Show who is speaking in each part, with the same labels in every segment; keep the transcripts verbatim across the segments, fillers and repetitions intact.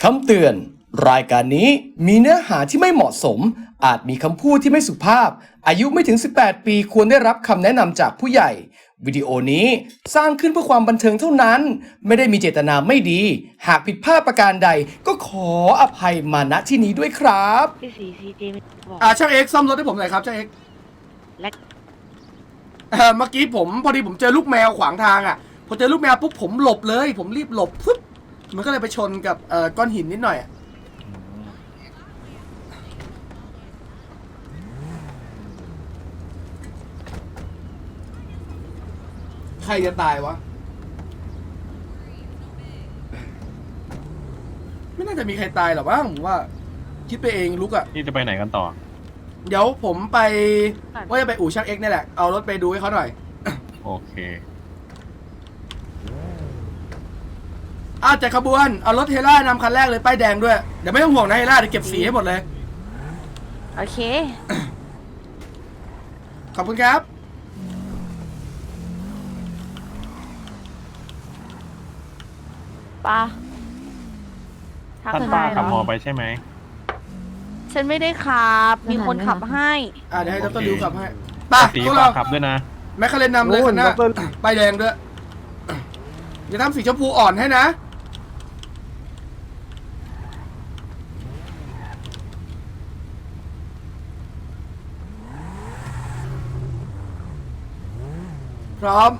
Speaker 1: คำเตือนรายการนี้มีเนื้อหาที่ไม่เหมาะสมอาจมีคำพูดที่ไม่สุภาพอายุไม่ถึงสิบแปดปีควรได้รับคำแนะนำจากผู้ใหญ่วิดีโอนี้สร้างขึ้นเพื่อความบันเทิงเท่านั้นไม่ได้มีเจตนาไม่ดีหากผิดพลาดประการใดก็ขออภัยมาณที่นี้ด้วยครับ
Speaker 2: พี่สีซีเจบอก
Speaker 3: อ่าช่างเอ็กซ์ซ่อมรถให้ผมหน่อยครับช่างเอ็กซ์
Speaker 2: และ
Speaker 3: เอ่อเมื่อกี้ผมพอดีผมเจอลูกแมวขวางทางอ่ะพอเจอลูกแมวปุ๊บผมหลบเลย ผมรีบหลบปุ๊บมันก็เลยไปชนกับเอ่อก้อนหินนิดหน่อยอะใครจะตายวะไม่น่าจะมีใครตายหรอกมั้งผมว่าคิดไปเองลุกอ่ะ
Speaker 4: นี่จะไปไหนกันต่อ
Speaker 3: เดี๋ยวผมไปว่าจะไปอู่ช่างเอ็กซ์นี่แหละเอารถไปดูให้เขาหน่อย
Speaker 4: โอเค
Speaker 3: อาจัดขบวนเอารถเฮล่านำคันแรกเลยป้ายแดงด้วยเดี๋ยวไม่ต้องห่วงนะเฮล่าเดี๋ยวเก็บสีให้หมดเลย
Speaker 2: โอเค
Speaker 3: ขอบคุณครับ
Speaker 2: ป้า
Speaker 4: ท่านป้าขับมอไปใช่ไหม
Speaker 2: ฉันไม่ได้ขับ มีคนขับให้
Speaker 3: อ่าเดี๋ยวให้ด
Speaker 4: โอ
Speaker 3: ร
Speaker 4: เค
Speaker 3: ลิวขับให้ไป
Speaker 4: ตี
Speaker 3: พวก
Speaker 4: ฝา
Speaker 3: เรา
Speaker 4: กขับด้วยนะ
Speaker 3: แมคคาเรนนำเลยคันหน้าป้ายแดงด้วยอย่าทำสีชมพูอ่อนให้นะพร้อม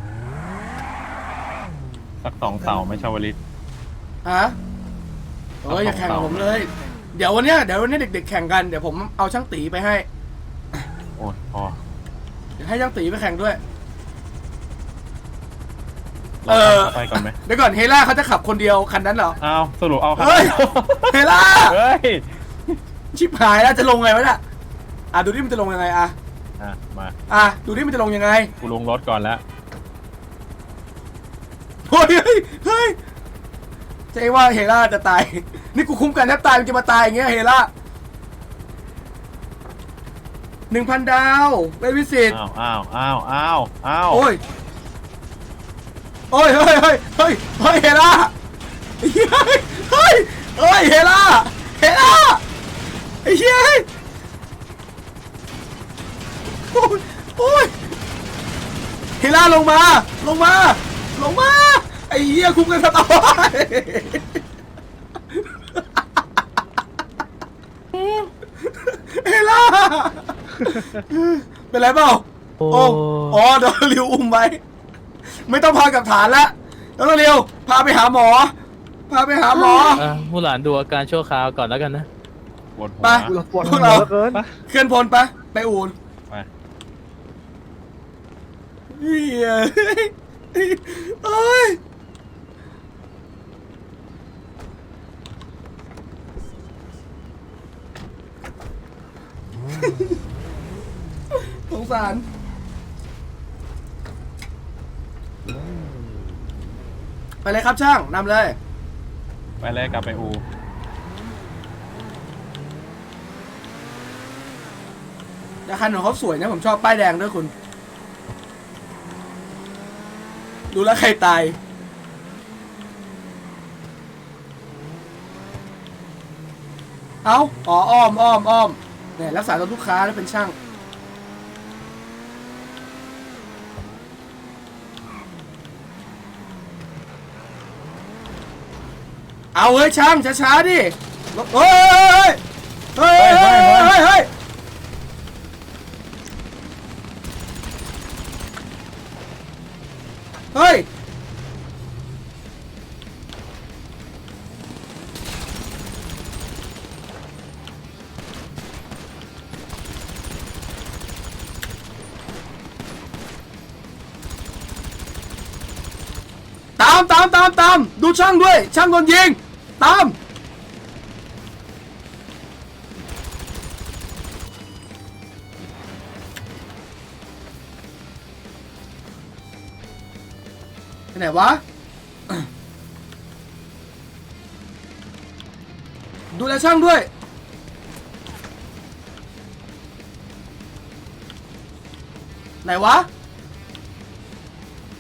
Speaker 4: สักสองเสาไหม่ชาวลิต
Speaker 3: ฮะเอ้ยอย่าแข่งกับผมเลย เดี๋ยววันเนี้ยเดี๋ยววันนี้เด็กๆแข่งกันเดี๋ยวผมเอาช่างตีไปให้
Speaker 4: โอ้ยพอ
Speaker 3: เดี๋ยวให้ช่างตีไปแข่งด้วย
Speaker 4: เรา
Speaker 3: เออ
Speaker 4: ขับไปก่อนไหม
Speaker 3: เดี๋ยวก่อนเฮล่าเขาจะขับคนเดียวคันนั้นเหรอ
Speaker 4: อ้าวสรุปเอาคัน
Speaker 3: เฮ้ย เฮล่า
Speaker 4: เฮ้ย
Speaker 3: ชิบหายแล้วจะลงไงวะเนี่ยอ่ะดูดิมันจะลงยังไงอ่ะ
Speaker 4: อ่ะมา
Speaker 3: อ่ะดูดิมันจะลงยังไง
Speaker 4: กูลงรถก่อนแล้ว
Speaker 3: เฮ้ยเฮ้ยเฮ้ยจะเองว่าเฮล่าจะตาย นี่กูคุ้มกันแทบตายมันจะมาตายอย่างเงี้ยเฮล่าหนึ่งพันดาวเป็นวิสิต
Speaker 4: อ้าวอ้าวอ้าวอ้าวอ้าว
Speaker 3: โอ้ยโอ้ยเฮ้ยเฮ้ยเฮ้ยเฮ้ยเฮล่าเฮ้ยเฮ้ยเฮ้ยเฮล่าเฮล่าไอ้เหี้ยโอ้ยโอ้ยเฮล่าลงมาลงมาลงมาไอ้เหี้ยคุ้มกันสตอเฮล่าเป็นไรเปล่าโอ้อ๋อเดี๋ยวริวอุ้มไว้ไม่ต้องพากับฐานแล้วแล้วเร็วพาไปหาหมอ พาไปหาหมอ
Speaker 5: อ่ะผู้หลานดูอาการชั่วคราวก่อนแล้วกันนะ
Speaker 4: ปวดหัว
Speaker 3: ไปพวกเราเคลื่อนพลไปไปอูน
Speaker 4: ไป
Speaker 3: เฮ้ยเอ้ยสงสารไปเลยครับช่างนำเลย
Speaker 4: ไปเลยกลับไปอู
Speaker 3: แต่คันของเขาสวยนะผมชอบป้ายแดงด้วยคุณ ดูแล้วใครตาย เอาอ๋ออ้อมอ้อมอ้อมเนี่ยรักษาตัวลูกค้าแล้วเป็นช่าง เอาเฮ้ยช่างช้าๆดิเฮ้ยเฮ้ยเฮ้ยเฮ้ยเฮ้ยเฮ้ยเฮ้ยตามตามตามตามดูช่างด้วยช่างโดนยิงตามไปไหนวะ ดูแลช่างด้วยไหนวะ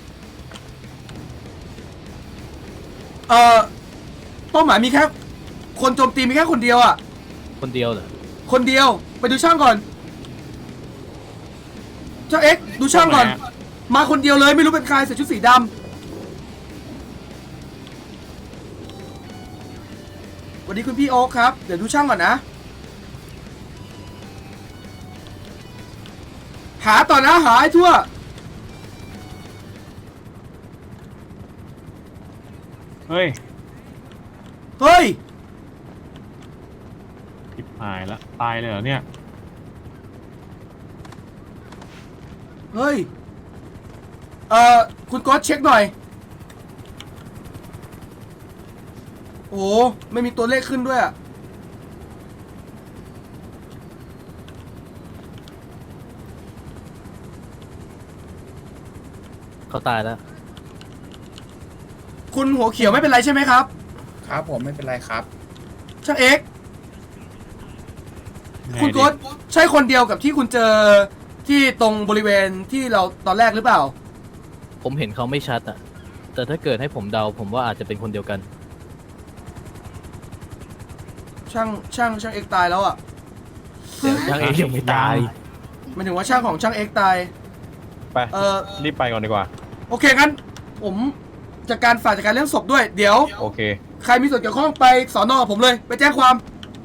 Speaker 3: เอ่อเป้าหมายมีแค่คนโจมตีมีแค่คนเดียวอ่ะ
Speaker 5: คนเดียวเหรอ
Speaker 3: คนเดียวไปดูช่างก่อนเจ้าเอ็กซ์ดูช่างก่อน มาคนเดียวเลยไม่รู้เป็นใครใส่ชุดสีดำสวัสดีคุณพี่โอ๊คครับเดี๋ยวดูช่างก่อนนะหาต่อนะหาให้ทั่ว
Speaker 4: เฮ้ย
Speaker 3: เฮ้ย
Speaker 4: ทิบหายแล้วตายเลยเหรอเนี่ย
Speaker 3: เฮ้ยเอ่อคุณก๊อตเช็คหน่อยโอ้ไม่มีตัวเลขขึ้นด้วยอะ
Speaker 5: เขาตายแล้ว
Speaker 3: คุณหัวเขียวไม่เป็นไรใช่ไหมครับ
Speaker 6: ครับผมไม่เป็นไรครับ
Speaker 3: ช่างเอ็กซ์
Speaker 4: ไง
Speaker 3: คุณ
Speaker 4: ดิ
Speaker 3: โก๊ตใช่คนเดียวกับที่คุณเจอที่ตรงบริเวณที่เราตอนแรกหรือเปล่า
Speaker 5: ผมเห็นเขาไม่ชัดอะแต่ถ้าเกิดให้ผมเดา ผมว่าอาจจะเป็นคนเดียวกัน
Speaker 3: ช่างช่างช่างเอ็กซ์ตายแล้วอ่ะ
Speaker 5: เดี๋ยวช่างเองยังไม่ตาย
Speaker 3: หมายถึงว่าช่างของช่างเอ็กซ์ตาย
Speaker 7: ไป
Speaker 3: เออ
Speaker 7: รีบไปก่อนดีกว่า
Speaker 3: โอเคงั้นผมจัดการฝ่ายจัดการเรื่องศพด้วยเดี๋ยว
Speaker 7: โอเค
Speaker 3: ใครมีส่วนเกี่ยวข้องไปสอนอกับผมเลย ไปแจ้งความ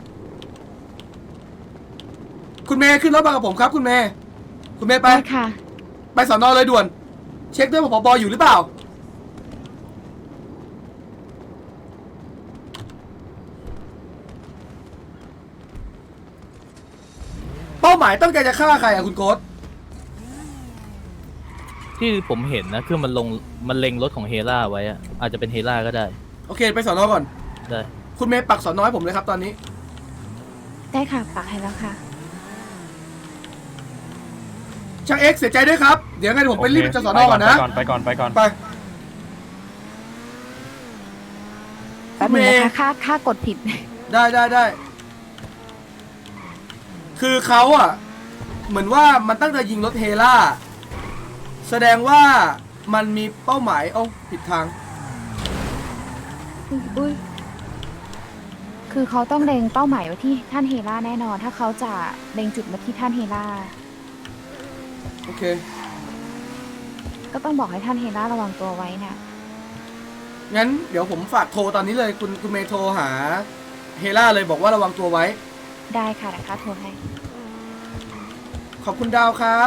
Speaker 3: คุณเมย์ขึ้นรถมากับผมครับ คุณเมย์คุณเมย์ไป
Speaker 2: ได้ค่ะ
Speaker 3: ไปสอนอเลยด่วน เช็คด้วยว่าผบอยู่หรือเปล่า เป้าหมายต้องการจะฆ่าใครอ่ะคุณโก๊ต
Speaker 5: ที่ผมเห็นนะคือมันลงมันเล็งรถของเฮล่าไว้อะอาจจะเป็นเฮล่าก็ได้
Speaker 3: โอเคไปสอนอก่อน
Speaker 5: ได้
Speaker 3: คุณเมย์ปักสอนอให้ผมเลยครับตอนนี้
Speaker 2: ได้ค่ะ ปักให้แล้วค่ะ
Speaker 3: ช่างเอ็กซ์เสียใจด้วยครับ เดี๋ยวไงเดี๋ยวผมไปรีบไปจะสอนอก่อนนะ
Speaker 7: ไปก่อน ไปก่อน
Speaker 3: ไป
Speaker 2: แป๊บนึงนะคะ ค่า ค่ากดผิด
Speaker 3: ได้ได้ได้ คือเขาอ่ะ เหมือนว่ามันตั้งใจยิงรถเฮล่า แสดงว่ามันมีเป้าหมายเอ้าผิดทาง
Speaker 2: อุ้ย คือเขาต้องเล็งเป้าหมายไว้ที่ท่านเฮล่าแน่นอน ถ้าเขาจะเล็งจุดมาที่ท่านเฮล่า
Speaker 3: โอเค
Speaker 2: ก็ต้องบอกให้ท่านเฮล่าระวังตัวไว้น่ะ
Speaker 3: งั้นเดี๋ยวผมฝากโทรตอนนี้เลย คุณคุณเมย์โทรหาเฮล่าเลยบอกว่าระวังตัวไว้
Speaker 2: ได้ค่ะเดี๋ยวค่าโทรให้
Speaker 3: ขอบคุณดาวครับ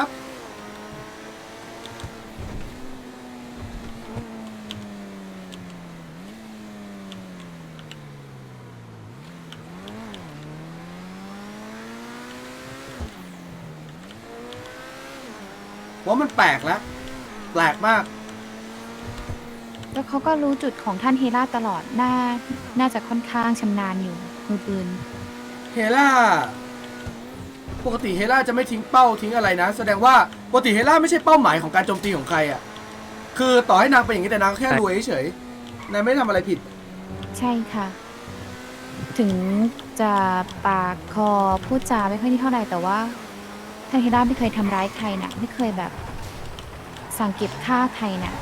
Speaker 3: ว่ามันแปลกแล้ว แปลกมาก
Speaker 2: แล้วเขาก็รู้จุดของท่านเฮล่าตลอด น่า น่าจะค่อนข้างชำนาญอยู่มือปืน
Speaker 3: เฮล่า ปกติเฮล่าจะไม่ทิ้งเป้าทิ้งอะไรนะ แสดงว่าปกติเฮล่าไม่ใช่เป้าหมายของการโจมตีของใครอ่ะ คือต่อให้นางเป็นอย่างนี้แต่นางแค่รวยเฉยๆนางไม่ได้ทำอะไรผิด
Speaker 2: ใช่ค่ะ ถึงจะปากคอพูดจาไม่ค่อยนี่เท่าไหร่แต่ว่าท่านเฮล่าไม่เคยทำร้ายใครนะไม่เคยแบบสั่งเก็บฆ่าใครนะ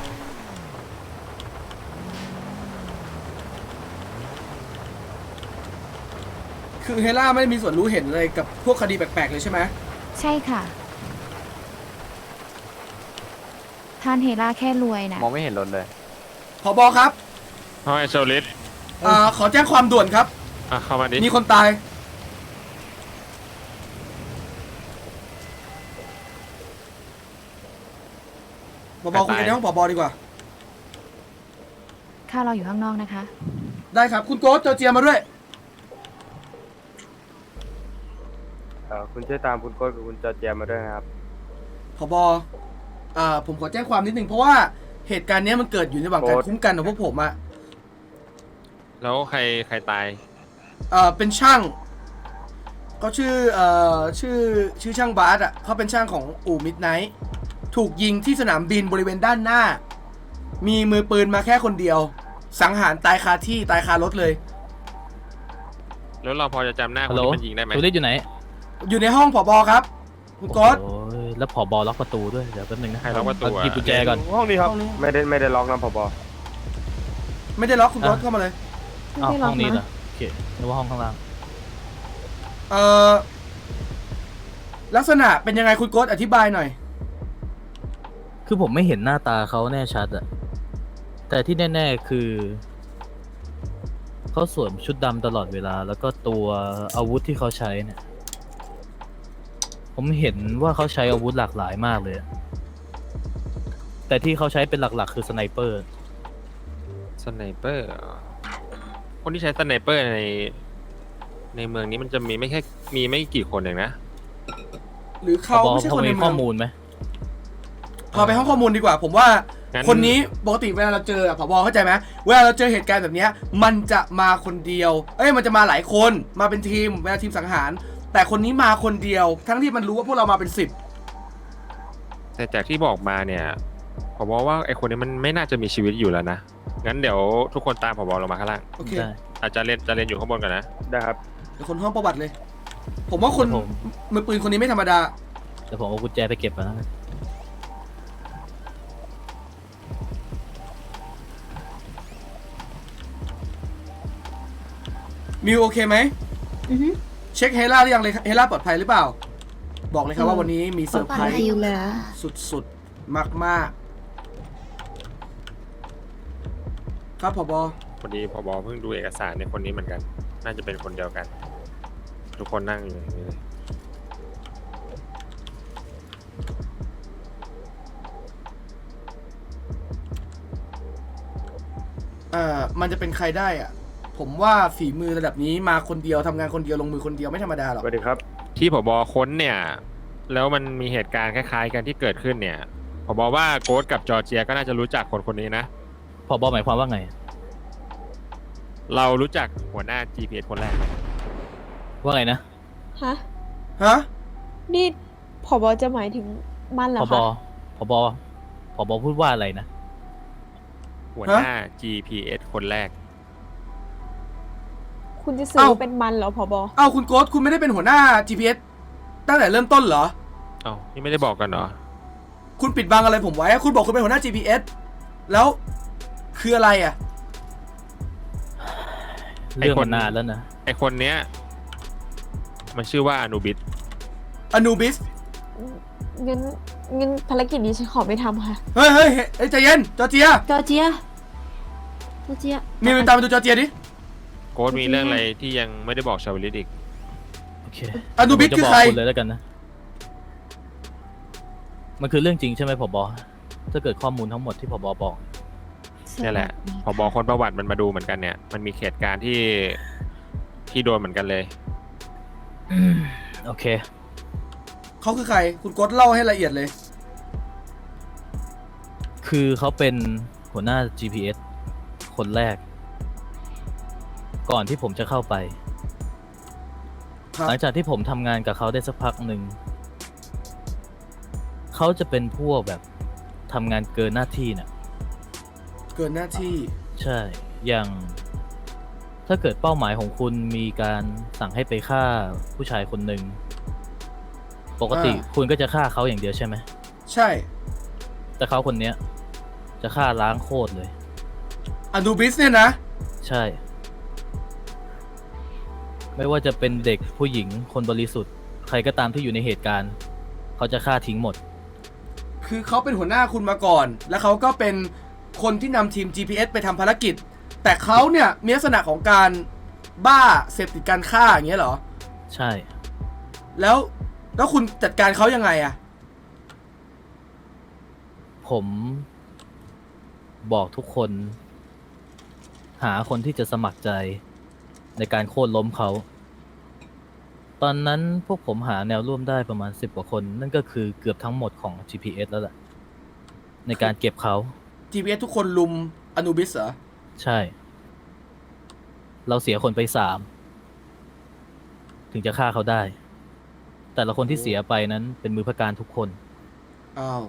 Speaker 3: คือเฮล่าไม่ได้มีส่วนรู้เห็นอะไรกับพวกคดีแปลกๆเลยใช่ไหม
Speaker 2: ใช่ค่ะ ท่านเฮล่าแค่รวยนะ
Speaker 7: มองไม่เห็นรถเลย
Speaker 3: ผบครับ
Speaker 8: เฮ้ยโซลิด
Speaker 3: อ่าขอแจ้งความด่วนครับ
Speaker 8: อ่ะเข้ามาดิ
Speaker 3: มีคนตาย ผบคุยกันในห้องผบดีกว่า
Speaker 2: ข้าเราอยู่ข้างนอกนะคะ
Speaker 3: ได้ครับ คุณโก๊ตเจอเจียมาด้วย
Speaker 7: เอ่อ คุณช่วยตามคุณโก้กับคุณจอร์เจียมาด้วยนะครับ
Speaker 3: ผบอ่าผมขอแจ้งความนิดนึงเพราะว่าเหตุการณ์เนี้ยมันเกิดอยู่ในระหว่างการ
Speaker 7: โอ๊ต
Speaker 3: คุ้มกันของพวกผมอะ
Speaker 8: แล้วใครใครตาย
Speaker 3: เอ่อเป็นช่างเขาชื่อเอ่อชื่อชื่อช่างบาสอะเขาเป็นช่างของอู่มิดไนท์ถูกยิงที่สนามบินบริเวณด้านหน้า มีมือปืนมาแค่คนเดียว สังหารตายคาที่ตายคารถเลย
Speaker 8: แล้วเราพอจะจำหน้าค
Speaker 5: ฮั
Speaker 8: น
Speaker 5: ลโหล
Speaker 8: ที่มันยิงได้ไหม
Speaker 5: โซลิดอยู่ไหน
Speaker 3: อยู่ในห้องผบครับ คุณก๊อต
Speaker 5: โอ้ยแล้วผอบอล็อกประตูด้วย เดี๋ยวแป๊บนึงนะ
Speaker 8: ใครล็อกประตู
Speaker 5: เอา
Speaker 8: อ่ะ
Speaker 5: หยิบกุญแจก่อน
Speaker 7: ห้องนี้ครับ
Speaker 3: ห้องนี้
Speaker 7: ไม่ได้ไม่ได้ล็อกนะผบ
Speaker 3: ไม่ได้ล็อกคุณก๊อต
Speaker 5: อ่ะ
Speaker 3: เข้ามาเลย
Speaker 5: อ้าวห้องนี้เหรอเคนึกว่าห้องข้างล่าง
Speaker 3: เอ่อลักษณะเป็นยังไงคุณโก๊ตอธิบายหน่อย
Speaker 5: คือผมไม่เห็นหน้าตาเขาแน่ชัดอะแต่ที่แน่ๆคือเขาสวมชุดดำตลอดเวลา แล้วก็ตัวอาวุธที่เขาใช้เนี่ย ผมเห็นว่าเขาใช้อาวุธหลากหลายมากเลยอะแต่ที่เขาใช้เป็นหลักๆ คือสไนเปอร์
Speaker 8: สไนเปอร์เหรอคนที่ใช้สไนเปอร์ใน ในเมืองนี้มันจะมีไม่แค่มีไม่กี่คนเองนะ
Speaker 3: หรือเขาไม่ใช่
Speaker 5: พอ
Speaker 3: คนใน
Speaker 5: มี
Speaker 3: เมื
Speaker 5: ข้
Speaker 3: อ
Speaker 5: อง มูลไหม
Speaker 3: พาไปห้องข้อมูลดีกว่า ผมว่า
Speaker 8: งั้น
Speaker 3: คนนี้ปกติเวลาเราเจออะผบเข้าใจไหมเวลาเราเจอเหตุการณ์แบบเนี้ยมันจะมาคนเดียว เอ้ยมันจะมาหลายคนมาเป็นทีมเวลาทีมสังหาร แต่คนนี้มาคนเดียว ทั้งที่มันรู้ว่าพวกเรามาเป็นสิบ
Speaker 8: แต่จากที่บอกมาเนี่ยผมบอกว่าไอคนนี้มันไม่น่าจะมีชีวิตอยู่แล้วนะ งั้นเดี๋ยวทุกคนตามผมลงมาข้างล่าง
Speaker 3: โอเค
Speaker 5: ได้
Speaker 8: อาจจะเรียนจะเรียนอยู่ข้างบนก่อนนะ
Speaker 7: ได้ครับ
Speaker 3: เดี๋ยวคนห้องประวัติเลย ผมว่าคน
Speaker 5: ผม
Speaker 3: มือปืนคนนี้ไม่ธรรมดา
Speaker 5: เดี๋ยวผมเอากุญแจไปเก็บมาแล้วกัน
Speaker 3: มิวโอเคไหม
Speaker 9: อือฮึ
Speaker 3: เช็คเฮล่าหรือยังเลยเฮล่าปลอดภัยหรือเปล่า บอกเลยครับว่าวันนี้มีเซอร์ไพรส์
Speaker 9: ฟิลเลย
Speaker 3: สุดๆ มากๆ ครับผบ
Speaker 8: พอดีพบเพิ่งดูเอกสารในคนนี้เหมือนกัน น่าจะเป็นคนเดียวกัน ทุกคนนั่งอยู่อย่างนี้เลย
Speaker 3: เอ่อมันจะเป็นใครได้อะผมว่าฝีมือระดับนี้มาคนเดียวทำงานคนเดียวลงมือคนเดียวไม่ธรรมดาหรอก
Speaker 7: สวัสดีครับ
Speaker 8: ที่ผบค้นเนี่ย แล้วมันมีเหตุการณ์คล้ายๆกันที่เกิดขึ้นเนี่ยผบว่าโก๊ตกับจอร์เจียก็น่าจะรู้จักคนคนนี้นะ
Speaker 5: ผบหมายความว่าไง
Speaker 8: เรารู้จักหัวหน้า จี พี เอส คนแรกไหม
Speaker 5: ว่าไงนะ
Speaker 9: ฮะ
Speaker 3: ฮะ
Speaker 9: นี่ผบจะหมายถึงมันเหร
Speaker 5: ผ
Speaker 9: อบ คะ
Speaker 5: ผบผบพูดว่าอะไรนะ
Speaker 8: หัวหน้า จี พี เอส คนแรก
Speaker 9: คุณจะสื่อ
Speaker 3: เอ้า
Speaker 9: ว่าเป็นมันเหรอผบ
Speaker 3: เอ้าคุณโกสคุณไม่ได้เป็นหัวหน้า จี พี เอส ตั้งแต่เริ่มต้นเหรอ
Speaker 8: เอ้านี่ไม่ได้บอกกันเหรอ
Speaker 3: คุณปิดบังอะไรผมไว้อะคุณบอกคุณเป็นหัวหน้า จี พี เอส แล้วคืออะไรอ่ะ
Speaker 5: เรื่อง
Speaker 8: ไอ้ค
Speaker 5: มัน นนานแล้วนะ
Speaker 8: ไอคนเนี้ยมันชื่อว่าอนูบิส
Speaker 3: อนูบิส
Speaker 9: งั้นงั้นภารกิจนี้ฉันขอไม่ทำค่ะ
Speaker 3: เฮ้ยเฮ้ยเฮ้ยเฮ้ยใจเย็น จอร์เจีย
Speaker 9: จอร์เจีย จอร์เจีย
Speaker 3: มีเป็นตามไปดูจอร์เจียดิ
Speaker 8: โค้ดมีเรื่องอะไรที่ยังไม่ได้บอกชาวลิตอีก
Speaker 5: โอเค
Speaker 3: อนูบิส
Speaker 5: ผมจะ
Speaker 3: คือบ
Speaker 5: ก
Speaker 3: ใคร
Speaker 5: คุณเลยแล้วกันนะ มันคือเรื่องจริงใช่ไหมผบถ้าเกิดข้อมูลทั้งหมดที่ผบบอก
Speaker 8: นี่แหละพอบอคนประวัติมันมาดูเหมือนกันเนี่ย มันมีเหตุการณ์ที่ที่โดนเหมือนกันเลย
Speaker 5: โอเค
Speaker 3: เขาคือใคร คุณโกสเล่าให้ละเอียดเลย
Speaker 5: คือเขาเป็นหัวหน้า จี พี เอส คนแรก ก่อนที่ผมจะเข้าไป
Speaker 3: ครับ
Speaker 5: หลังจากที่ผมทำงานกับเขาได้สักพักหนึ่ง เขาจะเป็นพวกแบบทำงานเกินหน้าที่น่ะ
Speaker 3: เกินหน้าที่
Speaker 5: ใช่ อย่าง ถ้าเกิดเป้าหมายของคุณมีการสั่งให้ไปฆ่าผู้ชายคนหนึ่ง ปกติ
Speaker 3: อ่า
Speaker 5: คุณก็จะฆ่าเขาอย่างเดียวใช่ไหม
Speaker 3: ใช่
Speaker 5: แต่เขาคนเนี้ย จะฆ่าล้างโคตรเลย
Speaker 3: อนูบิสเนี่ยนะ
Speaker 5: ใช่ ไม่ว่าจะเป็นเด็กผู้หญิงคนบริสุทธิ์ ใครก็ตามที่อยู่ในเหตุการณ์ เขาจะฆ่าทิ้งหมด
Speaker 3: คือเขาเป็นหัวหน้าคุณมาก่อน แล้วเขาก็เป็นคนที่นำทีม จี พี เอส ไปทำภารกิจ แต่เขาเนี่ยมีลักษณะของการบ้าเสพติดการฆ่าอย่างเงี้ยเหรอ
Speaker 5: ใช่
Speaker 3: แล้วแล้วคุณจัดการเขายังไงอะ
Speaker 5: ผมบอกทุกคน หาคนที่จะสมัครใจในการโค่นล้มเขา ตอนนั้นพวกผมหาแนวร่วมได้ประมาณสิบกว่าคน นั่นก็คือเกือบทั้งหมดของ จี พี เอส แล้วแหละในการเก็บเขา
Speaker 3: จี พี เอส ทุกคนลุมอนูบิสเหรอ
Speaker 5: ใช่ เราเสียคนไปสาม ถึงจะฆ่าเขาได้ แต่ละคนที่เสียไปนั้นเป็นมือพระการทุกคน
Speaker 3: อ้าว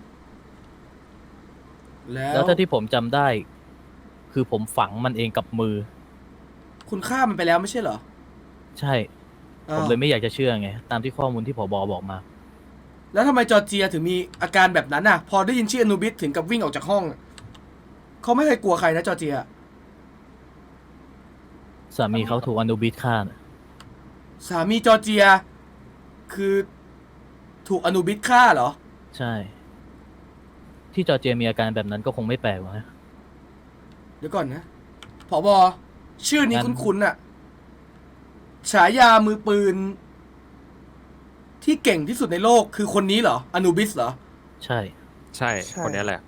Speaker 3: แล้ว
Speaker 5: แล้วถ้าที่ผมจำได้ คือผมฝังมันเองกับมือ
Speaker 3: คุณฆ่ามันไปแล้วไม่ใช่เหรอ
Speaker 5: ใช่
Speaker 3: อ้า
Speaker 5: ผ
Speaker 3: ว
Speaker 5: มเลยไม่อยากจะเชื่อไง ตามที่ข้อมูลที่ผบบอกมา
Speaker 3: แล้วทำไมจอร์เจียถึงมีอาการแบบนั้นน่ะ พอได้ยินชื่ออนูบิสถึงกับวิ่งออกจากห้อง เขาไม่เคยกลัวใครนะจอร์เจีย
Speaker 5: สามีเขาถูกอนุบิสฆ่าน่ะ
Speaker 3: สามีจอร์เจีย คือถูกอนุบิสฆ่าเหรอ
Speaker 5: ใช่ ที่จอร์เจียมีอาการแบบนั้นก็คงไม่แปลกหรอกนะ
Speaker 3: เดี๋ยวก่อนนะผอบอชื่อนี้
Speaker 5: งั้น
Speaker 3: คุ้นๆอะฉายามือปืน ที่เก่งที่สุดในโลกคือคนนี้เหรออนูบิสเหรอ
Speaker 5: ใช่
Speaker 8: ใช่คนนี้แหละ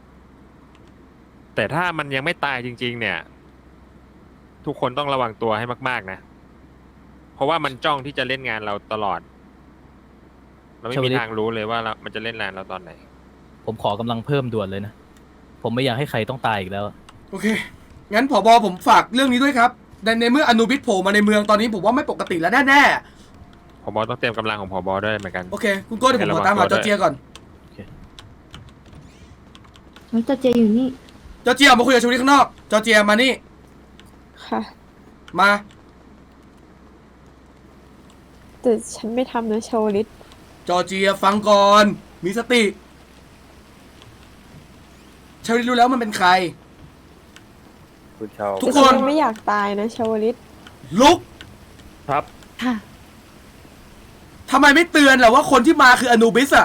Speaker 8: แต่ถ้ามันยังไม่ตายจริง ๆ เนี่ย ทุกคนต้องระวังตัวให้มาก ๆ นะ เพราะว่ามันจ้องที่จะเล่นงานเราตลอด เราไม่
Speaker 5: ชาวลิ
Speaker 8: มี
Speaker 5: ต
Speaker 8: ทางรู้เลยว่าเรามันจะเล่นงานเราตอนไหน
Speaker 5: ผมขอกำลังเพิ่มด่วนเลยนะ ผมไม่อยากให้ใครต้องตายอีกแล้วอะ
Speaker 3: โอเค งั้นผอบอผมฝากเรื่องนี้ด้วยครับในในเมื่ออนูบิสโผล่มาในเมืองตอนนี้ผมว่าไม่ปกติแล้วแน่
Speaker 8: ผบต้องเตรียมกำลังของผบด้วยเหมือนกัน
Speaker 3: ๆโอเค คุณโก้เดี๋ยวผมขอตามหาจอร์เจียก่อน
Speaker 9: มันจะเจอยู่นี่
Speaker 3: จอร์เจียออกมาคุยกับชวลิตข้างนอก จอร์เจียมานี่
Speaker 9: ค่ะ
Speaker 3: มา
Speaker 9: แต่ฉันไม่ทำนะชาวลิต
Speaker 3: จอร์เจียฟังก่อน มีสติชวลิตรู้แล้วมันเป็นใคร
Speaker 7: คุณชาว
Speaker 3: ทุก
Speaker 9: แต่
Speaker 3: คน
Speaker 9: ฉันไม่อยากตายนะชาวลิต
Speaker 3: ลุก
Speaker 6: ครับ
Speaker 2: ค่ะ
Speaker 3: ทำไมไม่เตือนล่ะว่าคนที่มาคืออนูบิสอะ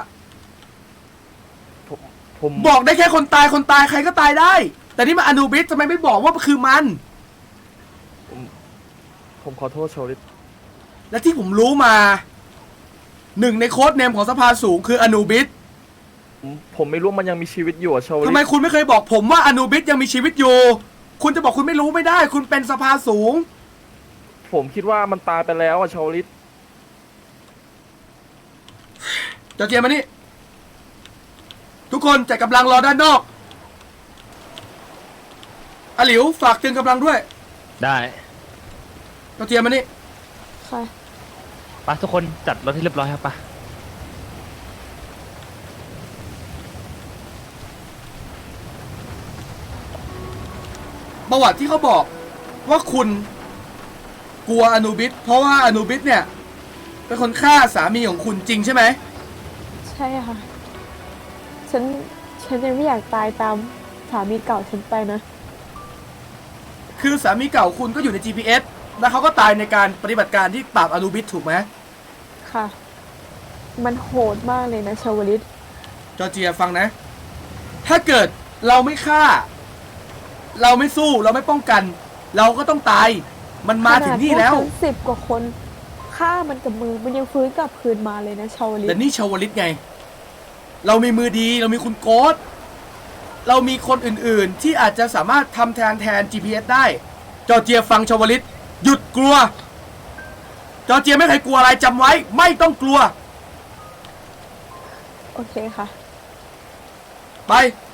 Speaker 6: ผม
Speaker 3: บอกได้แค่คนตายคนตายใครก็ตายได้ แต่นี่มาอนูบิสทำไมไม่บอกว่าคือมัน
Speaker 6: ผมขอโทษโชลิต
Speaker 3: และที่ผมรู้มาหนึ่งในโค้ดเนมของสภาสูงคืออนูบิส
Speaker 6: ผมผมไม่รู้มันยังมีชีวิตอยู่อะโชลิ
Speaker 3: ทำ
Speaker 6: ต
Speaker 3: ไมคุณไม่เคยบอกผมว่าอนูบิสยังมีชีวิตอยู่ คุณจะบอกคุณไม่รู้ไม่ได้ คุณเป็นสภาสูง
Speaker 6: ผมคิดว่ามันตายไปแล้วอะโชลิต
Speaker 3: จอร์เจียมานี่ ทุกคนจัดกำลังรอด้านนอกอาหลิวฝากตึงกำลังด้วย
Speaker 5: ได้
Speaker 3: จอร์เจียมานี่
Speaker 9: ค่ะ
Speaker 5: ปะทุกคนจัดรถให้เรียบร้อยครับปะ
Speaker 3: ประวัติที่เขาบอกว่าคุณกลัวอนูบิสเพราะว่าอนูบิสเนี่ยเป็นคนฆ่าสามีของคุณจริงใช่ไหม
Speaker 9: ใช่ค่ะ ฉัน ฉันยังไม่อยากตายตามสามีเก่าฉันไปนะ
Speaker 3: คือสามีเก่าคุณก็อยู่ใน จี พี เอส แล้วเขาก็ตายในการปฏิบัติการที่ปราบอนูบิสถูกไหม
Speaker 9: ค่ะ มันโหดมากเลยนะชาวลิต
Speaker 3: จอร์เจียฟังนะ ถ้าเกิดเราไม่ฆ่า เราไม่สู้เราไม่ป้องกัน เราก็ต้องตาย มันมาถึงนี่แล้ว
Speaker 9: ขนาดพกฉันสิบกว่าคนฆ่ามันกับมือมันยังฟื้นกลับคืนมาเลยนะชาวลิต
Speaker 3: แต่นี่ชาวลิตไง เรามีมือดีเรามีคุณโกสเรามีคนอื่นๆ ที่อาจจะสามารถทำแทนแทน จี พี เอส ได้ จอร์เจียฟังชาวลิตหยุดกลัว จอร์เจียไม่เคยกลัวอะไรจำไว้ ไม่ต้องกลัว
Speaker 9: โอเคค่ะ
Speaker 3: ไป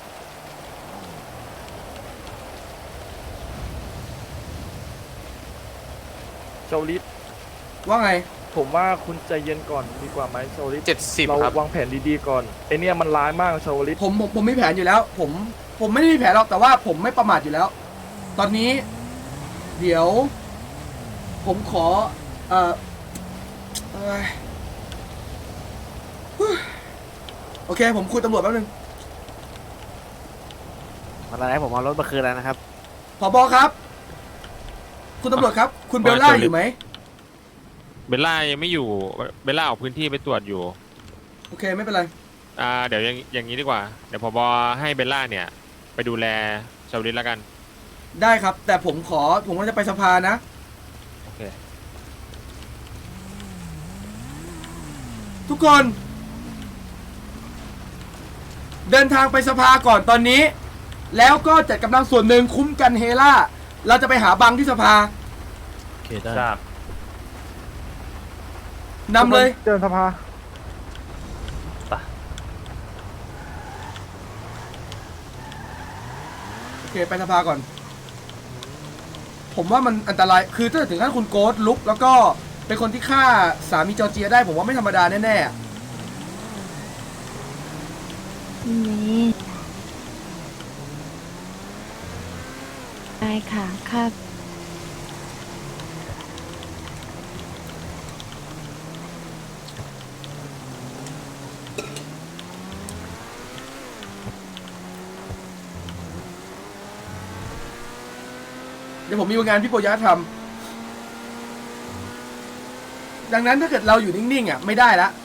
Speaker 6: โชลิต
Speaker 3: ว่าไง
Speaker 6: ผมว่าคุณใจเย็นก่อนดีกว่าไหมโชลิต
Speaker 8: เจ็ดสิบ
Speaker 6: เรา
Speaker 8: ครับ
Speaker 6: วางแผนดีๆก่อนไอเนี่ยมันร้ายมากโชลิต
Speaker 3: ผมผมผมมีแผนอยู่แล้ว ผมผมไม่ได้มีแผนหรอกแต่ว่าผมไม่ประมาทอยู่แล้ว ตอนนี้ เดี๋ยว ผมขอ เอ่อเอ้ยฮู้โอเค ผมคุยตำรวจแป๊บนึง
Speaker 10: อะไรผมเอารถมาคืนแล้วนะครับ
Speaker 3: ผบครับ คุณตำรวจครับ คุณเบลล่าอยู่ไหม
Speaker 8: เบลล่ายังไม่อยู่ เบลล่าออกพื้นที่ไปตรวจอยู่
Speaker 3: โอเคไม่เป็นไร
Speaker 8: อ่า เดี๋ยวอย่างอย่างนี้ดีกว่า เดี๋ยวผบให้เบลล่าเนี่ย ไปดูแลชาวลิตแล้วกัน
Speaker 3: ได้ครับ แต่ผมขอ ผมก็จะไปสภานะ
Speaker 8: โอเค
Speaker 3: ทุกคน เดินทางไปสภาก่อนตอนนี้ แล้วก็จัดกำลังส่วนหนึ่งคุ้มกันเฮล่า เราจะไปหาบังที่สภา
Speaker 5: โอเคได้
Speaker 3: นำเลย
Speaker 6: เดินสภา
Speaker 3: โอเค ไปสภาก่อน ผมว่ามันอันตราย คือถ้าถึงขั้นคุณโกสลุก แล้วก็เป็นคนที่ฆ่าสามีจอร์เจียได้ ผมว่าไม่ธรรมดาแน่ๆ
Speaker 2: นี่ได้ค่ะค่ะ
Speaker 3: เดี๋ยวผมมีงานพี่โปยะทดังนั้นถ้าเกิดเราอยู่นิ่งๆอ่ะไม่ได้ละ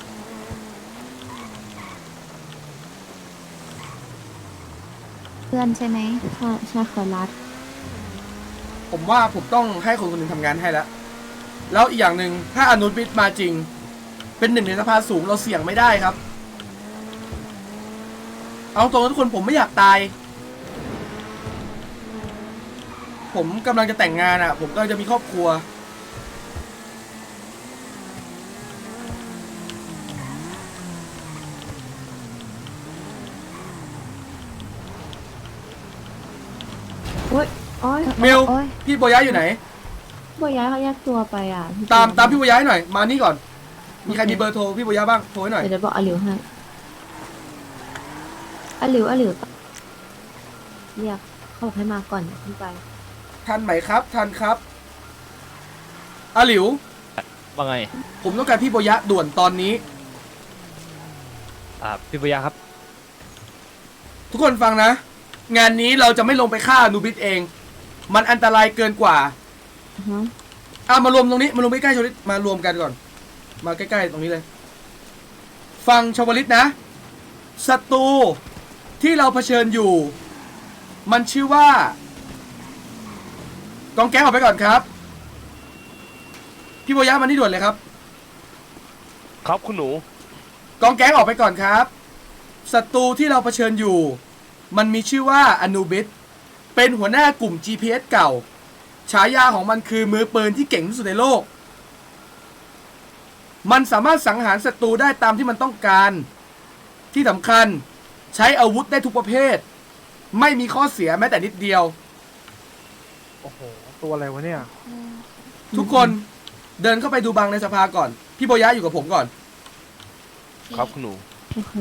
Speaker 2: เพื่อนใช่ไหม
Speaker 9: ใช่ใช่ขอรัด
Speaker 3: ผมว่าผมต้องให้คนคนหนึ่งทำงานให้แล้วแล้วอีกอย่างหนึ่งถ้าอนุบิตมาจริง เป็นหนึ่งในสภาสูงเราเสี่ยงไม่ได้ครับ เอาตรงๆทุกคนผมไม่อยากตาย ผมกำลังจะแต่งงานอ่ะ ผมกำลังจะมีครอบครัว
Speaker 9: โอ๊ยโอ๊ย
Speaker 3: มิว
Speaker 2: โอ๊ย
Speaker 3: พี่โบยะอยู่ไหน
Speaker 9: บัวย้ายเขาแยกตัวไปอ่ะพี่
Speaker 3: ตามตามพี่โบยะให้หน่อย มานี่ก่อน มีใครมีเบอร์โทรพี่โบยะบ้างโทรให้หน่อย
Speaker 9: เดี๋ยวบอกอาหลิวให้อาหลิวอาหลิวเรียกเขาบอกให้มาก่อนขึ้นไป
Speaker 3: ทันไหมครับทันครับอาหลิว
Speaker 5: ว่าไง
Speaker 3: ผมต้องการพี่โบยะด่วนตอนนี้
Speaker 5: อ่าพี่ปุยาครับ
Speaker 3: ทุกคนฟังนะ งานนี้เราจะไม่ลงไปฆ่านูบิสเอง มันอันตรายเกินกว่า
Speaker 9: อือฮะ
Speaker 3: อ่ะมารวมตรงนี้มารวมใกล้ๆชวลิตมารวมกันก่อน มาใกล้ๆตรงนี้เลย ฟังชวลิตนะศัตรูที่เราเผชิญอยู่ มันชื่อว่ากองแก๊งออกไปก่อนครับ พี่โบยะมานี่ด่วนเลยครับ
Speaker 6: ครับคุณหนู
Speaker 3: กองแก๊งออกไปก่อนครับศัตรูที่เราเผชิญอยู่ มันมีชื่อว่าอนูบิสเป็นหัวหน้ากลุ่ม จี พี เอส เก่าฉายาของมันคือมือปืนที่เก่งที่สุดในโลก มันสามารถสังหารศัตรูได้ตามที่มันต้องการที่สำคัญใช้อาวุธได้ทุกประเภท ไม่มีข้อเสียแม้แต่นิดเดียว
Speaker 6: โอ้โห ตัวอะไรวะเนี่ย
Speaker 3: ทุกคนเดินเข้าไปดูบังในสภาก่อน พี่โบยะอยู่กับผมก่อน
Speaker 6: ครับคุณหนู
Speaker 9: โอเค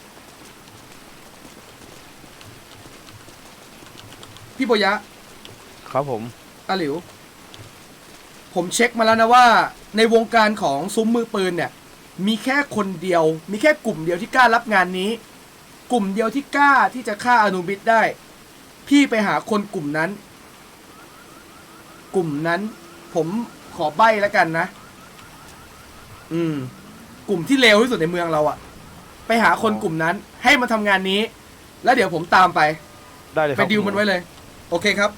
Speaker 3: พี่โบยะ
Speaker 6: ครับผม
Speaker 3: อาหลิว ผมเช็คมาแล้วนะว่าในวงการของซุ้มมือปืนเนี่ยมีแค่คนเดียว มีแค่กลุ่มเดียวที่กล้ารับงานนี้ กลุ่มเดียวที่กล้าที่จะฆ่าอนุบิสได้ พี่ไปหาคนกลุ่มนั้น กลุ่มนั้น ผมขอใบ้แล้วกันนะ อืม กลุ่มที่เลวที่สุดในเมืองเราอะไปหาคนกลุ่มนั้น ให้มาทำงานนี้ แล้วเดี๋ยวผมตามไป
Speaker 6: ได้เลยค
Speaker 3: ไป
Speaker 6: รับ
Speaker 3: ดิวมันไว้เลย โอเคครับ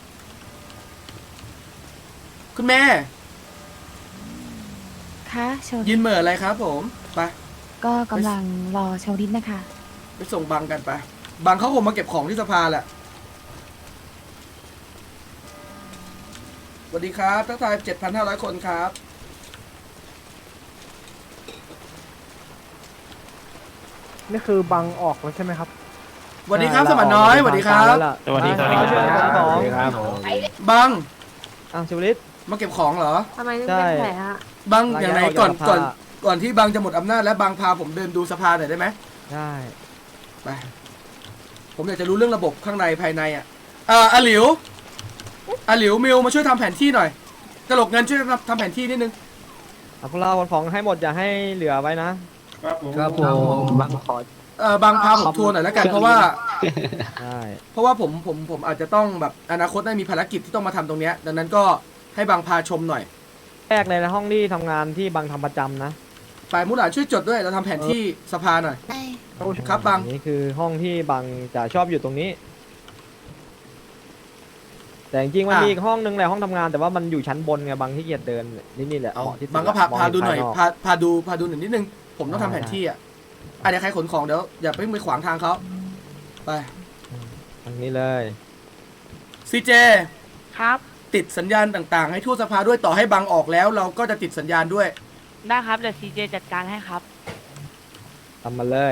Speaker 3: คุณแม่
Speaker 2: คะชาว
Speaker 3: ยินเหม่ออะไรครับผมไป
Speaker 2: ก็กำลังรอชาวลิตนะคะ
Speaker 3: ไปส่งบังกันไปบังเขาคงมาเก็บของที่สภาแหละสวัสดีครับทักทาย เจ็ดพันห้าร้อย คนครับ
Speaker 10: นี่คือบังออกแล้วใช่ไหมครับ
Speaker 3: สวัสดีครับสมันน้อยสวัสดีครับ
Speaker 5: สวัสดีครับ
Speaker 10: ช่วยกันของ
Speaker 3: บัง
Speaker 10: อ่ะชิวลิต
Speaker 3: มาเก็บของเหรอ
Speaker 9: ทำไมถึง
Speaker 10: ใช่
Speaker 9: เป็นแผลอะ
Speaker 3: บังอย่างไรก่อน
Speaker 10: สภา
Speaker 3: ก่อนก่อนที่บังจะหมดอำนาจและบังพาผมเดินดูสภาหน่อยได้ไหม
Speaker 10: ใช่
Speaker 3: ไปผมอยากจะรู้เรื่องระบบข้างในภายในอ่ะอ่าอาหลิวอาหลิวมิวมาช่วยทำแผนที่หน่อยกระโหลกเงินช่วยทำทำแผนที่นิดนึง
Speaker 10: เอาพวกเราขนของให้หมดอย่าให้เหลือไว้นะ
Speaker 5: ครับผมบังขอ
Speaker 3: เออบางพาผมทัวร์หน่อยแล้วกันเพราะว่า
Speaker 10: ใช่
Speaker 3: เพราะว่าผมผมผมอาจจะต้องแบบอนาคตได้มีภารกิจที่ต้องมาทำตรงเนี้ยดังนั้นก็ให้บางพาชมหน่อย
Speaker 10: แรกเลยนะห้องที่ทำงานที่บังทำประจำนะ
Speaker 3: ฝ่ายมุหลานช่วยจดด้วยเราทำแผนที่สภาหน่อย ครับบัง
Speaker 10: นี่คือห้องที่บังจะชอบอยู่ตรงนี้ แต่จริงๆมันมีอีกห้องนึงแหละห้องทำงานแต่ว่ามันอยู่ชั้นบนไงบังที่เกียจเดินนี่นี่แหละ
Speaker 3: เอา
Speaker 10: เหมาะที่สุ
Speaker 3: บางก็พาม
Speaker 10: อง
Speaker 3: พาดูหน่อย
Speaker 10: ภก
Speaker 3: พาพาดูพาดูหน่อยนิดนึงผมต้องทำแผนที่อ่ะอ่ะเดี๋ยวใครขนของเดี๋ยวอย่าไปไปขวางทางเขาไป
Speaker 10: ทางนี้เลย
Speaker 3: ซีเจ
Speaker 11: ครับ
Speaker 3: ติดสัญญาณต่างๆ ให้ทั่วสภาด้วยต่อให้บังออกแล้ว เราก็จะติดสัญญาณด้วย
Speaker 11: ได้ครับ เดี๋ยวซีเจจัดการให้ครับ
Speaker 10: ทำมาเลย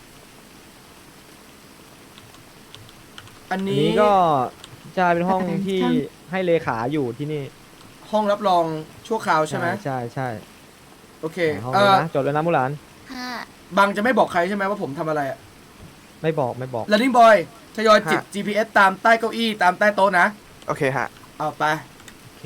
Speaker 3: อัน
Speaker 10: อัน
Speaker 3: นี้
Speaker 10: นี้ก็จะเป็นห้องที่
Speaker 2: ช่าง
Speaker 10: ให้เลขาอยู่ที่นี่
Speaker 3: ห้องรับรองชั่วคราวใช่ไหม
Speaker 10: ใช่ใช่
Speaker 3: โอเค
Speaker 10: ห้อง
Speaker 3: เอ
Speaker 10: นี้
Speaker 3: อ
Speaker 10: นะจดไว้นะมุหลาน
Speaker 3: บังจะไม่บอกใครใช่ไหมว่าผมทำอะไรอ่ะ
Speaker 10: ไม่บอกไม่บอก
Speaker 3: Running Boy ทยอยจิบ
Speaker 10: ฮะ
Speaker 3: จี พี เอส ตามใต้เก้าอี้ตามใต้โต๊ะนะ
Speaker 6: โอเคฮะ
Speaker 3: เอาไป
Speaker 10: โอเค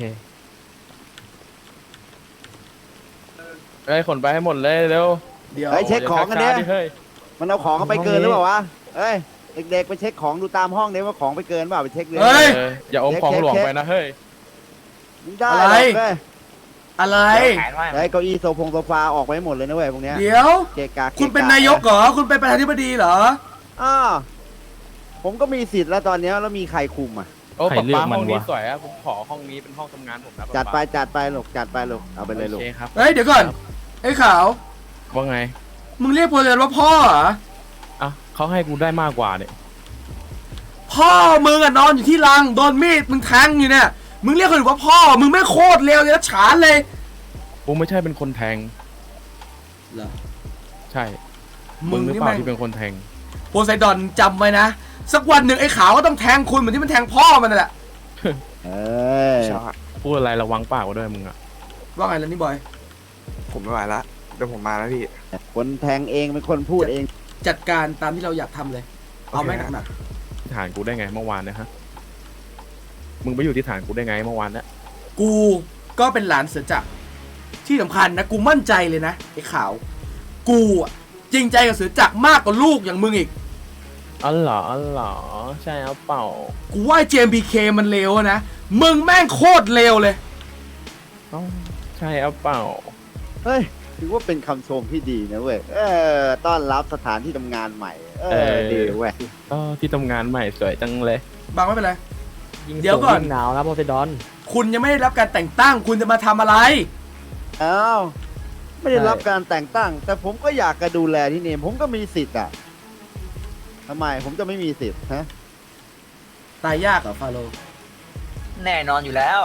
Speaker 6: เอ้ยขนไปให้หมดเลยเร็ว
Speaker 3: เดี๋ยว
Speaker 12: เฮ้ยเช็คของกันเนี่ย
Speaker 6: เฮ้ย
Speaker 12: มันเอาของเข้าไปเกินหรือเปล่าวะเอ้ย เด็กๆไปเช็คของดูตามห้องเนี่ยว่าของไปเกินเปล่าไปเช็คเลย
Speaker 3: เฮ้ย
Speaker 6: อย่าอมของหลวงไปนะเฮ้ย
Speaker 12: มึงได้
Speaker 3: อะไร
Speaker 12: หรอกเว้ย
Speaker 3: อะไร
Speaker 12: ได้เก้าอี้โซฟงโซฟาออกไปให้หมดเลยนะเว้ยพวกเนี้ย
Speaker 3: เดี๋ยว
Speaker 12: เกะกะกะ
Speaker 3: คุณเป็นนายกเหรอ คุณเป็นประธานาธิบดีเหรอ
Speaker 12: อ้าวผมก็มีสิทธิ์แล้วตอนเนี้ยแล้วมีใครคุมอ่ะ
Speaker 6: โอ้
Speaker 5: ใคร
Speaker 6: ป๊า
Speaker 5: เลือก
Speaker 6: ป๊า
Speaker 5: มั
Speaker 6: ห้
Speaker 5: น
Speaker 6: องนี้
Speaker 5: วะ
Speaker 6: สวยอะผมขอห้องนี้เป็นห้องทำงานผมนะป๊า
Speaker 12: จัดไป
Speaker 6: ป๊า
Speaker 12: จัดไปลูกจัดไปลูกเอาไปเลยลู
Speaker 6: โอก เคครับ
Speaker 3: เฮ้ย เดี๋ยวก่อน ไอ้ขาว
Speaker 6: ว่าไง
Speaker 3: มึงเรียกโพเซนว่าพ่อเหรอ
Speaker 6: อ่ะเขาให้กูได้มากกว่าเนี่ย
Speaker 3: พ่อมึงอะนอนอยู่ที่รัง โดนมีดมึงแทงอยู่เนี่ย มึงเรียกคนอื่นว่าพ่อ มึงไม่โคตรเลวเลยนะฉานเลย
Speaker 6: กูไม่ใช่เป็นคนแทง
Speaker 3: เหรอ
Speaker 6: ใช่
Speaker 3: มึ
Speaker 6: มึ
Speaker 3: ง
Speaker 6: งหรือ
Speaker 3: นี่
Speaker 6: เปล่า
Speaker 3: แม่ง
Speaker 6: ที่เป็นคนแทง
Speaker 3: โพไซดอนจำไว้นะ สักวันหนึ่งไอ้ขาวก็ต้องแทงคุณเหมือนที่มันแทงพ่อมันนั่นแหละ
Speaker 12: เออ
Speaker 6: พูดอะไรระวังปากไว้ด้วยมึงอะ
Speaker 3: ว่าไงล่ะนี่บอย
Speaker 7: ผมไม่ไหวละเดี๋ยวผมมาแล้วพี่
Speaker 12: คนแทงเองเป็นคนพูดเอง
Speaker 3: จัดการตามที่เราอยากทำเลย เอาแม่งหนัก
Speaker 6: ที่ฐานกูได้ไงเมื่อวานเนะฮะ มึงไปอยู่ที่ฐานกูได้ไงเมื่อวานเนะ
Speaker 3: ๆกูก็เป็นหลานเสือจักรที่สำคัญนะ กูมั่นใจเลยนะไอ้ขาว กูอะจริงใจกับเสือจักรมากกว่าลูกอย่างมึงอีก
Speaker 6: อ๋อเหรออ๋อเหรอใช่เอาเปล่า
Speaker 3: กูว่าเจมบีเคมันเลวนะ มึงแม่งโคตรเลวเลย
Speaker 6: เอ้าใช่เอาเปล่า
Speaker 12: เฮ้ยถือว่าเป็นคำชมที่ดีนะเว้ยเออต้อนรับสถานที่ทำงานใหม่ เอ
Speaker 6: เอ
Speaker 12: อ
Speaker 6: อ
Speaker 12: ดีเว้ย
Speaker 6: อ๋อที่ทำงานใหม่สวยจังเลย
Speaker 3: บางไม่เป็นไร
Speaker 10: ยิง
Speaker 3: เดี๋ยวก่อน
Speaker 10: สูงงหนาวนะโพไซดอน
Speaker 3: คุณยังไม่ได้รับการแต่งตั้ง คุณจะมาทำอะไร
Speaker 12: อ้าวไม่ได้รับการแต่งตั้ง แต่ผมก็อยากจะดูแลที่นี่ผมก็มีสิทธิ์อ่ะทำไมผมจะไม่มีสิทธิ์ฮะ
Speaker 3: ตายยากเหรอฟาโรห์
Speaker 13: แน่นอนอยู่แล้ว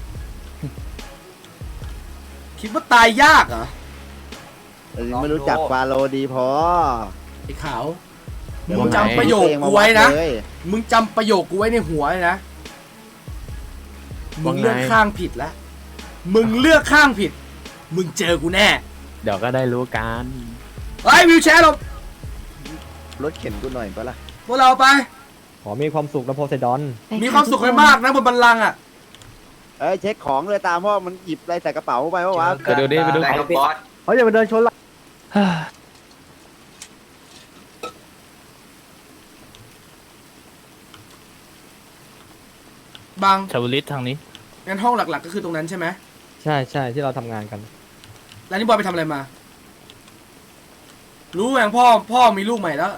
Speaker 3: คิดว่าตายยากเหรอ
Speaker 12: แต่ยังไม่รู้จักฟาโรห์ดีพอ
Speaker 3: ไอ้ขาว
Speaker 12: เดี๋ยว
Speaker 3: มึง
Speaker 12: ผม
Speaker 3: จำประโยค
Speaker 12: เองมา
Speaker 3: กูไว้นะ
Speaker 12: วัดเลย
Speaker 3: มึงจำประโยคกูไว้ในหัวเลยนะ มึ
Speaker 6: ว่าง ไง
Speaker 3: เลือกข้างผิดแล้ว มึงเลือกข้างผิด มึงเจอกูแน่
Speaker 6: เดี๋ยวก็ได้รู้กัน
Speaker 3: ไอ้ยวิวแชร์เรา
Speaker 12: รถเข็นกูหน่อยปะล่ะ
Speaker 3: พวกเราไป
Speaker 10: ขอมีความสุขนะโพไซดอน
Speaker 2: ไป
Speaker 3: มีความสุขให้มากนะบนบัลลังก์อ่ะ
Speaker 12: เอ้ยเช็คของเลยตามว่ามันหยิบอะไรใส่กระเป๋าไปวะวะ
Speaker 6: ไปดูดิไปดู
Speaker 13: ได้ครับบอส
Speaker 10: เขาอย่าไปเดินชนละ
Speaker 3: บาง
Speaker 5: ชาวลิตทางนี้
Speaker 3: งั้นห้องหลักๆก็คือตรงนั้นใช่ไหม
Speaker 10: ใช่ใช่ที่เราทำงานกัน
Speaker 3: แล้วนี่บอยไปทำอะไรมา รู้อย่างพ่อพ่อมีลูกใหม่แล้ว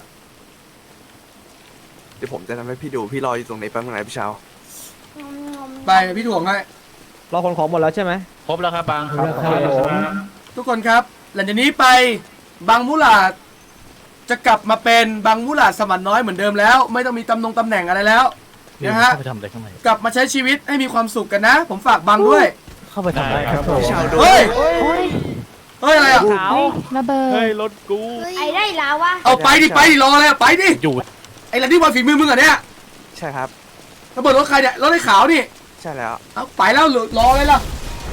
Speaker 7: เดี๋ยวผมจะทำให้พี่ดูพี่รออยู่ตรงไหนแป๊บนึงนะพี่เช้า
Speaker 3: ไปพี่ถ่วงให้
Speaker 10: เราขนของหมดแล้วใช่ไหม
Speaker 5: ครบแล้วครับบาง
Speaker 10: ครับผม
Speaker 3: ทุกคนครับ หลังจากนี้ไปบางมุหลาดจะกลับมาเป็นบางมุหลาดสมันน้อยเหมือนเดิมแล้ว ไม่ต้องมีตำแหน่งตำแหน่งอะไรแล้วนะฮะ
Speaker 5: เข้าไปทำอะไรข้างใน
Speaker 3: กลับมาใช้ชีวิตให้มีความสุขกันนะ ผมฝากบางด้วย
Speaker 5: เข้าไปทำอะไร
Speaker 10: ครับผม
Speaker 3: เฮ้ย
Speaker 2: โอ้ย
Speaker 3: เฮ้ยอะไรอ่ะ
Speaker 2: เฮ้ยระเบิด
Speaker 6: เฮ้ยรถกู
Speaker 9: ไอ้ได้แล้ววะ
Speaker 3: เอาไปดิไปดิรออะไรอะไปดิ
Speaker 5: หยุด
Speaker 3: ไอ้หลังที่บอลฝีมือมึงเหรอเนี่ย
Speaker 7: ใช่ครับ
Speaker 3: ระเบิดรถใครเนี่ยรถไอ้ขาวนี่
Speaker 7: ใช่แล้ว
Speaker 3: เอาไปแล้วเหลือรอเลยล่ะ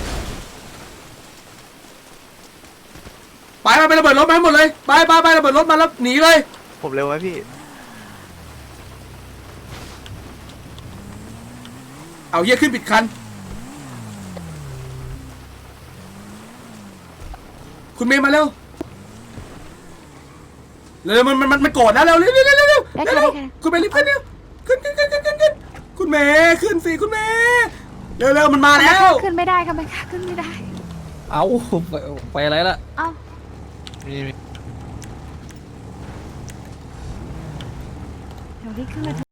Speaker 3: ไปไปไประเบิดรถมาให้หมดเลยไปไปไประเบิดรถมาแล้วหนีเลย
Speaker 7: ผมเร็วไหมพี่
Speaker 3: เอาเหี้ยขึ้นปิดคัน คุณเมย์มาเร็วเร็วมันมันมันมันโกรธนะเร็วเร็วเร็วเร็วเร็วเร็ว
Speaker 2: ได้ค่ะ
Speaker 3: เร็ว
Speaker 2: ได้ค่ะ
Speaker 3: คุณเมย์รีบขึ้นเร็วขึ้นขึ้นขึ้นขึ้นขึ้นขึ้นคุณเมย์ขึ้นสิคุณเมย์เร็วเร็วมันมาแล้ว
Speaker 2: ขึ้นไม่ได้ค่ะมันขึ้นไม่ได้
Speaker 5: เอาไปไปอะไรละ
Speaker 2: เอ้าเดี๋ยวรีบขึ้นมา